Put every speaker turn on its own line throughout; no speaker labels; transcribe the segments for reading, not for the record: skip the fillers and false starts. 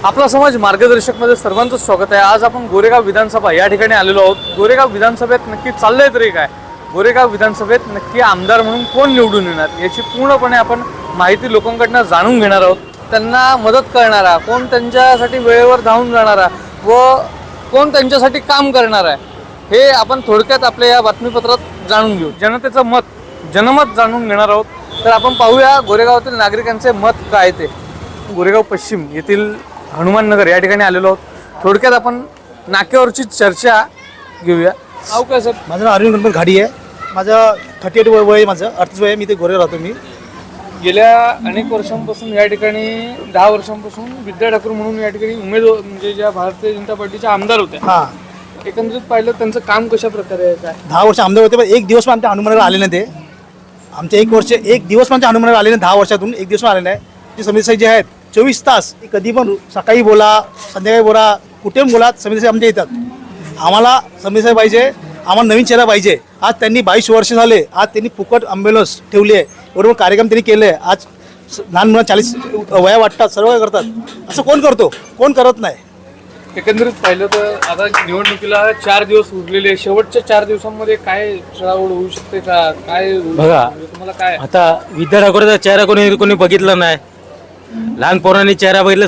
आपला समाज मार्गदर्शक मध्ये सर्वांचं स्वागत आहे। आज आपण गोरेगाव विधानसभा या ठिकाणी आलेलो आहोत। गोरेगाव विधानसभेत नक्की चाललंय तरी काय, गोरेगाव विधानसभेत नक्की आमदार म्हणून कोण निवडून येणार याची पूर्णपणे आपण माहिती लोकांकडून जाणून घेणार आहोत। त्यांना मदत करणारा कोण, त्यांच्यासाठी वेळेवर धावून जाणारा व कोण त्यांच्यासाठी काम करणार आहे, हे आपण थोडक्यात आपल्या या बातमीपत्रात जाणून घेऊ। जनतेचं मत, जनमत जाणून घेणार आहोत। तर आपण पाहूया गोरेगावातील नागरिकांचे मत काय ते। गोरेगाव पश्चिम येथील हनुमान नगर या ठिकाणी आलेलो आहोत। थोडक्यात आपण नाक्यावरची चर्चा घेऊया। नाव काय सर?
माझं नाव अरविंद गणपत घाडी आहे। माझं 38 वय आहे, माझं 38 वय आहे। मी ते गोरेगाव राहतो। मी
गेल्या अनेक वर्षांपासून या ठिकाणी 10 वर्षांपासून विद्या ठाकूर म्हणून या ठिकाणी उमेदवार म्हणजे ज्या भारतीय जनता पार्टीच्या आमदार होत्या,
हां,
एकंदरीत पाहिलं त्यांचं काम कशा प्रकारे आहे काय?
10 वर्ष आमदार होते, पण एक दिवस पण आमच्या हनुमानाला आले नाही। ते आमचे एक दिवस पण आमच्या हनुमानाला आले नाही। 10 वर्षातून एक दिवस पण आले नाही। ते समिती जे आहेत 24 तास, कधी पण सकाळी बोला, संध्याकाळी बोला, कुठे पण बोला, समिती आमच्या येतात। आम्हाला समिती पाहिजे, आम्हाला नवीन चेहरा पाहिजे। आज त्यांनी 22 वर्ष झाले, आज त्यांनी फुकट ॲम्ब्युलन्स ठेवली आहे, बरोबर कार्यक्रम त्यांनी केले आहे। आज लहान मुलं 40 वया वाटतात, सर्व काय करतात। असं कोण करतो? कोण करत नाही।
एकंदरीत पाहिलं तर आता निवडणुकीला 4 दिवस उरलेले, शेवटच्या 4 दिवसांमध्ये काय चढाओढ होऊ शकते का, काय
बघा,
तुम्हाला काय?
आता विद्या ठाकूरचा चेहरा कोणी बघितला नाही। लहान पोरांनी चेहरा बघितला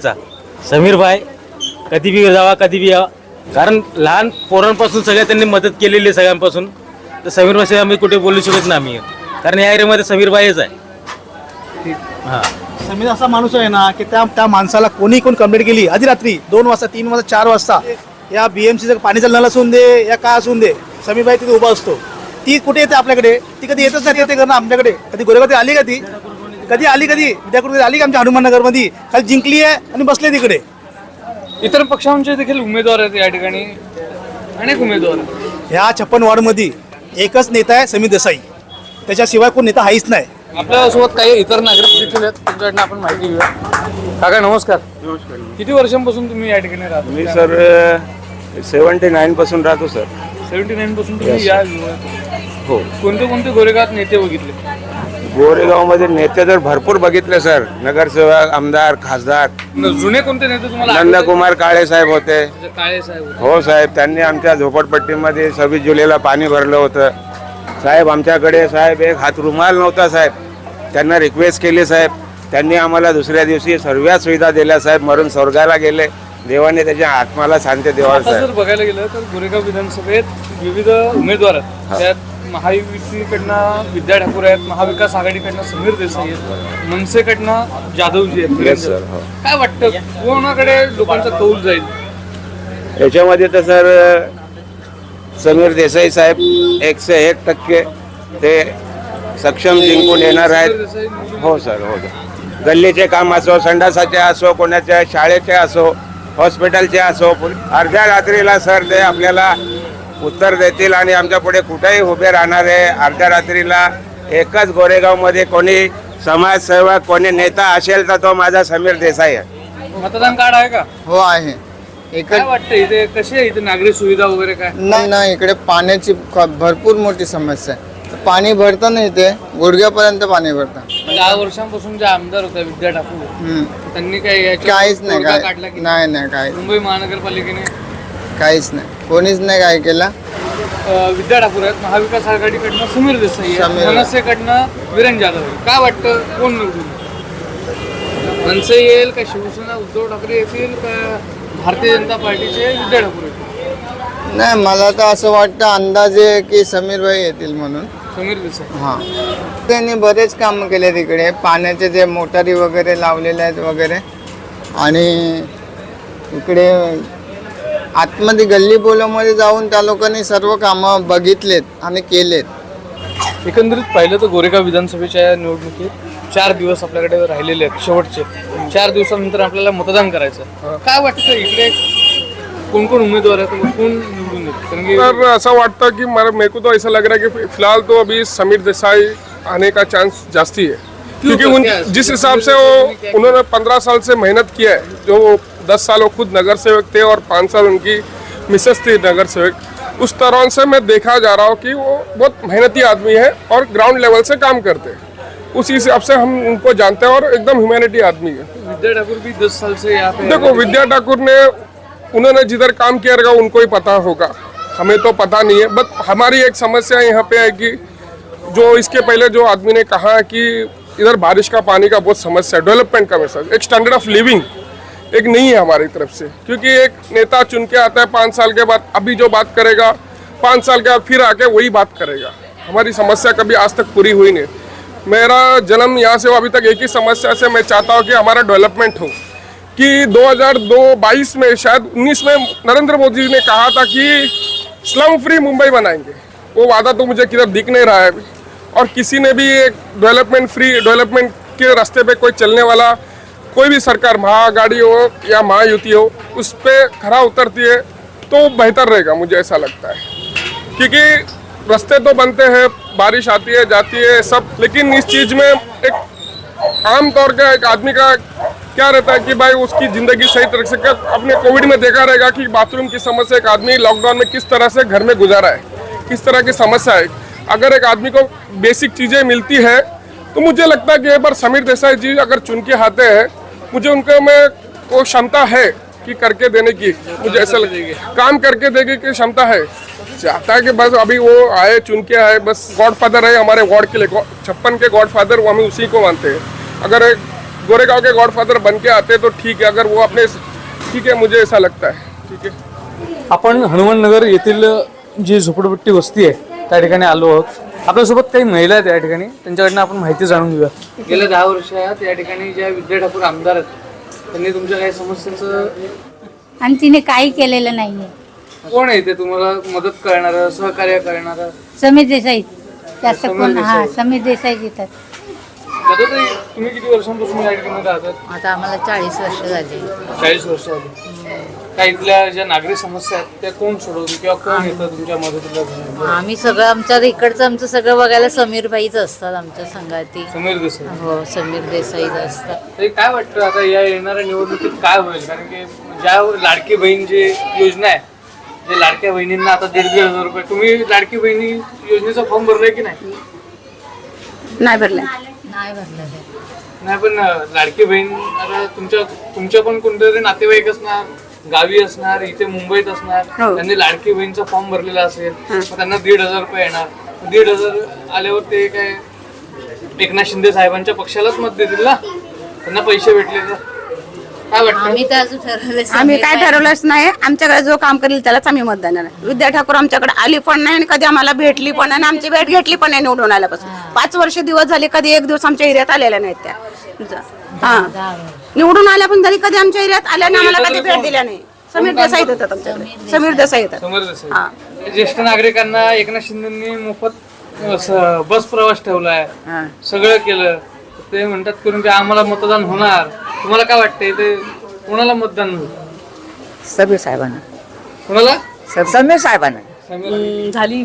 समीरबाई कधी बी जावा, कधी बी यावा, कारण लहान पोरांपासून सगळ्या त्यांनी मदत केलेली आहे सगळ्यांपासून। तर समीरबाई आम्ही कुठे बोलू शकत नाही आम्ही, कारण या एरियामध्ये समीरबाईच आहे। हां,
समीर असा माणूस आहे ना की त्या माणसाला कोणी कंप्लेंट केली आधी रात्री 2 वाजता, 3 वाजता, 4 वाजता, या BMCचं पाणीचा नळ असून दे या काय असून दे, समीरबाई तिथे उभा असतो। ती कुठे येते आपल्याकडे? ती कधी येतच नाही ते करणं आमच्याकडे। कधी गोरेगाव आली का? ती कधी आली? विद्याकडे आली का आमच्या हनुमान नगरमध्ये? खाली जिंकली आहे आणि बसले तिकडे।
इतर पक्षांचे देखील उमेदवार आहेत या ठिकाणी, अनेक उमेदवार आहेत।
ह्या 56 वॉर्डमध्ये एकच नेता आहे, समीर देसाई। त्याच्याशिवाय कोण नेता आहेच नाही।
आपल्यासोबत काही इतर नागरिक देखील आहेत, त्यांच्याकडनं आपण माहिती घेऊया। काका नमस्कार।
नमस्कार।
किती वर्षांपासून तुम्ही या ठिकाणी राहता?
मी सर 79 पासून राहतो सर।
79 पासून तुम्ही या विभागात?
हो।
कोणते कोणते गोरेगावात नेते बघितले?
गोरेगावमध्ये नेते तर भरपूर बघितले सर, नगरसेवक, आमदार, खासदार।
जुने कोणते नेते तुम्हाला आठवतात?
नंदकुमार काळे साहेब होते।
काळे साहेब होते.
हो साहेब, त्यांनी आमच्या झोपडपट्टीमध्ये 26 जुलैला पाणी भरलं होतं साहेब। आमच्याकडे साहेब एक हात रुमाल नव्हता साहेब, त्यांना रिक्वेस्ट केली साहेब, त्यांनी आम्हाला दुसऱ्या दिवशी सर्व सुविधा दिल्या साहेब। मरून स्वर्गाला गेले, देवाने त्याच्या आत्माला शांती द्यावा
आता
साहेब।
जर बघायला गेलं तर गोरेगाव विधानसभेत विविध उमेदवार आहेत। त्यात महायुतीकडनं विद्या ठाकूर आहेत, महाविकास आघाडीकडनं समीर देसाई आहेत, मनसेकडनं जाधवजी आहेत।
Yes, sir. हो.
काय वाटतं कोणाकडे लोकांचा कौल जाईल
याच्यामध्ये तर सर समीर देसाई साहेब 101% ते सक्षम जिंकून येणार आहेत। हो सर, हो सर। गल्लीचे काम असो, संडासाचे असो, कोणाच्या शाळेचे असो, हॉस्पिटलचे असो, अर्ध्या रात्रीला सर ते आपल्याला उत्तर देतील आणि आमच्या पुढे कुठेही उभे राहणार आहे। अर्ध्या रात्रीला एकच गोरेगावमध्ये कोणी समाजसेवक, कोणी नेता असेल तर तो माझा समीर देसाई आहे।
मतदान कार्ड आहे का?
हो आहे।
काय
इकडे
वाटतं इथे कशी आहे इथे नागरी सुविधा वगैरे काय?
नाही, इकडे पाण्याची भरपूर मोठी समस्या आहे। पाणी भरतं नाही, इथे गुडघ्यापर्यंत पाणी भरतं।
10 वर्षांपासून जे आमदार होते विद्या ठाकूर, त्यांनी काही याच्यावर
काहीच नाही,
तोडगा काढला की
नाही काही
मुंबई महानगरपालिकेने
काहीच नाही, कोणीच नाही काय केलं।
विद्या ठाकूर आहेत, महाविकास आघाडीकडनं समीर देसाई आहे,
समीर.
मनसेकडनं वीरेन जाधव आहे। काय वाटतं कोण निवडून येईल? मनसे येईल का शिवसेना उद्धव ठाकरे येतील का भारतीय जनता पार्टीचे विद्या ठाकूर येतील?
नाही, मला तर असं वाटतं अंदाजे की समीरभाई येतील म्हणून।
समीर देसाई।
हां, त्यांनी बरेच कामं केले तिकडे, पाण्याचे जे मोटारी वगैरे लावलेले आहेत वगैरे, आणि इकडे आतमध्ये गल्ली बोलामध्ये जाऊन त्या लोकांनी सर्व कामं बघितलेत आणि केलेत।
एकंदरीत पाहिलं तर गोरेगाव विधानसभेच्या निवडणुकीत 4 दिवस आपल्याकडे राहिलेले आहेत, शेवटचे 4 दिवसानंतर आपल्याला मतदान करायचं। काय वाटतं इकडे कोण कोण उम्मीदवार आहेत, कोण निवडून येतील? कारण की
सर ऐसा वाटता कि मेरे को तो ऐसा लग रहा है कि फिलहाल तो अभी समीर देसाई आने का चांस जास्ती है, क्योंकि जिस हिसाब से उन्होंने 15 साल से मेहनत किया है, जो 10 साल वो खुद नगर सेवक थे और 5 साल उनकी मिसेस थी नगर सेवक, उस तरह से मैं देखा जा रहा हूँ कि वो बहुत मेहनती आदमी है और ग्राउंड लेवल से काम करते हैं। उसी हिसाब से हम उनको जानते हैं और एकदम ह्यूमैनिटी आदमी है।
विद्या ठाकुर भी 10 साल से यहाँ पे
देखो विद्या ठाकुर ने उन्होंने जिधर काम किया रहेगा उनको ही पता होगा, हमें तो पता नहीं है। बट हमारी एक समस्या यहाँ पे है कि जो इसके पहले जो आदमी ने कहा कि इधर बारिश का पानी का बहुत समस्या है, डेवलपमेंट का मैसेज, एक स्टैंडर्ड ऑफ लिविंग एक नहीं है हमारी तरफ से। क्योंकि एक नेता चुन के आता है 5 साल के बाद, अभी जो बात करेगा 5 साल के बाद फिर आके वही बात करेगा। हमारी समस्या कभी आज तक पूरी हुई नहीं। मेरा जन्म यहाँ से अभी तक एक ही समस्या से मैं चाहता हूँ कि हमारा डेवलपमेंट हो। कि 2022 में शायद 19 में नरेंद्र मोदी जी ने कहा था कि स्लम फ्री मुंबई बनाएंगे, वो वादा तो मुझे किधर दिख नहीं रहा है अभी। और किसी ने भी एक डेवलपमेंट के रास्ते पे कोई चलने वाला कोई भी सरकार, महाआघाड़ी हो या महायुति हो, उस पर खरा उतरती है तो बेहतर रहेगा, मुझे ऐसा लगता है। क्योंकि रास्ते तो बनते हैं, बारिश आती है जाती है सब, लेकिन इस चीज़ में एक आम तौर का एक आदमी का क्या रहता है कि भाई उसकी ज़िंदगी सही तरह से अपने कोविड में देखा रहेगा कि बाथरूम की समस्या एक आदमी लॉकडाउन में किस तरह से घर में गुजारा है, किस तरह की समस्या है। अगर एक आदमी को बेसिक चीज़ें मिलती है तो मुझे लगता है कि एक बार समीर देसाई जी अगर चुन के आते हैं, मुझे उनके में वो क्षमता है कि करके देने की, मुझे ऐसा लगेगा काम करके देने की क्षमता है। चाहता है कि बस अभी वो आए, चुन के आए, बस गॉडफादर है हमारे वार्ड के लिए, 56 के गॉडफादर, वो हमें उसी को मानते हैं। अगर एक गोरेगांव के गॉडफादर बन के आते तो ठीक है, अगर वो अपने ठीक है, मुझे ऐसा लगता है। ठीक है,
आपण हनुमाननगर येथील जी झोपडपट्टी वस्ती आहे त्या ठिकाणी आलो आहोत। आपल्यासोबत काही महिला आहेत या ठिकाणी, त्यांच्याकडनं आपण माहिती जाणून घेऊया। गेल्या 10 वर्षात या ठिकाणी ज्या विद्या ठाकूर आमदार आहेत त्यांनी तुमच्या काही समस्यांचं
आणि तिने काही केलेलं नाहीये।
कोण आहे ते तुम्हाला मदत करणारं, सहकार्य करणारं?
समीर देसाई जास्त कोण, हा समीर देसाई येतात।
दादा ताई, तुम्ही किती वर्षांपासून या ठिकाणी राहतात?
आता आम्हाला 40 वर्ष झाली।
40 वर्ष झाली। काही इथल्या ज्या नागरिक समस्या आहेत त्या कोण सोडवते किंवा कोण येतं तुमच्या मदतीला?
आम्ही सगळं आमच्या इकडचं आमचं सगळं बघायला समीरबाईच असतात आमच्या संघाती।
समीर देसाई?
हो, समीर देसाईच असतात।
तरी काय वाटतं आता या येणाऱ्या निवडणुकीत काय होईल? कारण की ज्या लाडकी बहीण जी योजना आहे, जे लाडक्या बहिणींना आता 1,500 रुपये, तुम्ही लाडकी बहिणी योजनेचा फॉर्म भरलाय की नाही?
नाही भरला।
नाही भरलं ते।
नाही, पण लाडकी बहीण आता तुमच्या पण कोणतरी नातेवाईक असणार, गावी असणार, इथे मुंबईत असणार, त्यांनी लाडकी बहीणचा फॉर्म भरलेला असेल, मग त्यांना 1,500 रुपये येणार। 1,500 आल्यावर ते काय एकनाथ शिंदे साहेबांच्या पक्षालाच मत देतील ना, त्यांना पैसे भेटले तर? काय वाटतं?
आम्ही तर अजून ठरवलं,
आम्ही काय ठरवलंच नाही। आमच्याकडे जो काम करेल त्यालाच आम्ही मत देणार आहे। विद्या ठाकूर आमच्याकडे आली पण नाही आणि कधी आम्हाला भेटली पण नाही, आमची भेट घेतली पण नाही निवडून आल्यापासून। 5 वर्ष दिवस झाले, कधी एक दिवस आमच्या एरियात आलेल्या नाहीत त्या। हा, निवडून आल्या पण तरी कधी आमच्या एरियात आल्या नाही, आम्हाला कधी भेट दिल्या नाही। समीर देसाई येतात आमच्याकडे, समीर देसाई येतात।
समीर देसाई। ज्येष्ठ नागरिकांना एकनाथ शिंदेंनी मोफत बस प्रवास ठेवलाय, सगळं केलं, ते म्हणतात करून की आम्हाला मतदान होणार। तुम्हाला काय वाटतंय ते कोणाला मतदान होईल?
समीर साहेबांना।
कोणाला?
समीर साहेबांना।
झाली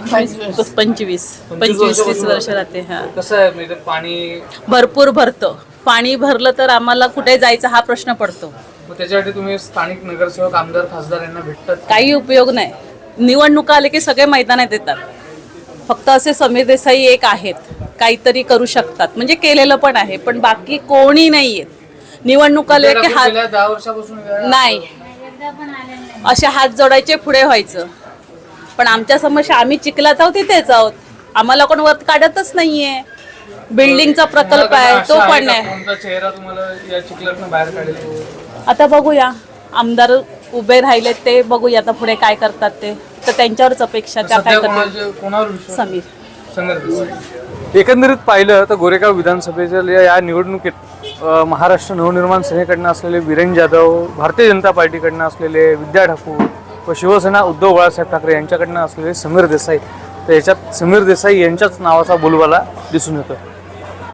25-30 वर्ष राहते। हा,
कसं आहे म्हणजे पाणी
भरपूर भरतं, पाणी भरलं तर आम्हाला कुठे जायचं हा प्रश्न पडतो।
मग त्याच्यासाठी तुम्ही स्थानिक नगरसेवक, आमदार, खासदार यांना भेटतात?
काही उपयोग नाही। निवडणुका आले की सगळे मैदानात येतात, फक्त असे समीर देसाई एक आहेत, काहीतरी करू शकतात, म्हणजे केलेलं पण आहे, पण बाकी कोणी नाहीये। निवडणूक आले की हात
10 वर्षापासून
नाही, असे हात जोडायचे, पुढे व्हायचं। पण आमच्या समस्या, आम्ही चिखलात आहोत, तिथेच आहोत, आम्हाला कोण वत काढतच नाहीये। बिल्डिंगचा प्रकल्प आहे तो पण नाही।
कोणता चेहरा तुम्हाला या चिखलातून बाहेर काढेल?
आता बघूया, आमदार उभे राहिले ते बघूया आता पुढे काय करतात ते, तर त्यांच्यावरच अपेक्षा, त्या काय करतात।
कोणावर विश्वास?
समीर।
समीर देसाई। एकंदरीत पाहिलं तर गोरेगाव विधानसभेच्या या निवडणुकीत महाराष्ट्र नवनिर्माण सेनेकडनं असलेले वीरेंद्र जाधव, भारतीय जनता पार्टीकडनं असलेले विद्या ठाकूर व शिवसेना उद्धव बाळासाहेब ठाकरे यांच्याकडनं असलेले समीर देसाई, तर याच्यात समीर देसाई यांच्याच नावाचा बोलबाला दिसून येतो।